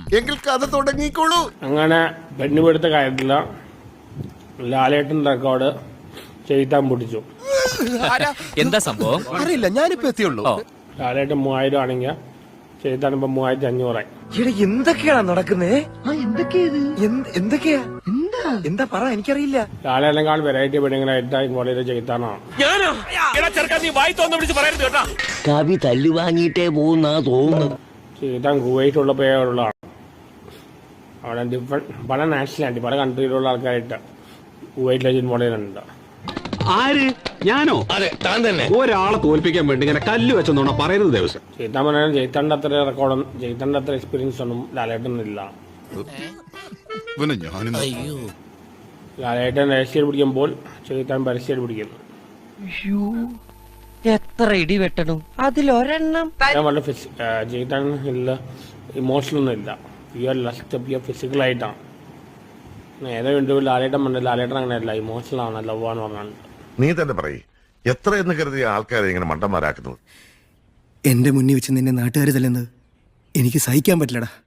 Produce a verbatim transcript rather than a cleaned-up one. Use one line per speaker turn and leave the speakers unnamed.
എങ്കിൽ കഥ തുടങ്ങിക്കോളൂ.
അങ്ങനെ പെണ്ണുപിടുത്ത കാര്യത്തില ലാലേട്ടൻ റെക്കോർഡ് ചെയ്താൻ പൊട്ടിച്ചു.
എന്താ സംഭവം
അറിയില്ല, ഞാനിപ്പോ എത്തിയുള്ളൂ.
ലാലേട്ടൻ മൂവായിരം ആണെങ്കിൽ ചെയ്താൻ ഇപ്പൊ മൂവായിരത്തി അഞ്ഞൂറായി.
എന്തൊക്കെയാണ് നടക്കുന്നേ? എന്തൊക്കെയാ എന്താ പറ, എനിക്കറിയില്ല.
ലാലേട്ടനേക്കാൾ വെറൈറ്റി പെണ്ണുങ്ങളായിട്ട് ഇങ്ങോട്ട് ചെയ്താനാണ്.
കവി തല്ലു വാങ്ങിയിട്ടേ പോകുന്നാ തോന്നുന്നത്.
ചെയ്താൻ കുവൈറ്റുള്ള പേരുള്ളതാണ്. അവിടെ ഡിഫറെന്റ് പല നാഷണാലിറ്റി പല കൺട്രിയിലുള്ള ആൾക്കാരായിട്ട് കുവൈറ്റിലെ ജിൻമോളിലുണ്ട്.
ആര്? ഞാനോ? അതെ, താൻ തന്നെ. ഒരാളെ തോൽപ്പിക്കാൻ വേണ്ടി ഇങ്ങനെ കല്ല് വെച്ചെന്നോണ പറയുന്നത് ദിവസം.
ചെയ്താൻ പറഞ്ഞാൽ ജയിത്തണ്ട അത്ര റെക്കോർഡും ജയിത്തണ്ട അത്ര എക്സ്പീരിയൻസ് ഒന്നും ലാലേട്ടനില്ല. ലാലേട്ടൻ രഹസ്യം പിടിക്കുമ്പോൾ ചെയ്താൻ പരസ്യം പിടിക്കുന്നു.
എത്ര ഇടി വെട്ടണം അതിലൊരെണ്ണം.
ഞാൻ വളരെ ചെയ്താൻ ഇല്ല, ഇമോഷണലൊന്നും ഇല്ല, പ്യുവർ ലസ്റ്റ് പ്യുവർ ഫിസിക്കലായിട്ടാണ്. ഏതോ ഇന്റർവ്യൂ ലാലേട്ടൻ പറഞ്ഞ ലാലേട്ടൻ അങ്ങനെയല്ല, ഇമോഷണൽ ആണ്, ലവ് എന്ന് പറഞ്ഞാൽ.
നീ തന്നെ പറയ്, എത്ര എന്ന് കരുതിയ ആൾക്കാരെ ഇങ്ങനെ മണ്ടന്മാരാക്കുന്നത്?
എന്റെ മുന്നിൽ വെച്ച് നിന്നെ നാട്ടുകാർ തല്ലുന്നത് എനിക്ക് സഹിക്കാൻ പറ്റില്ലടാ.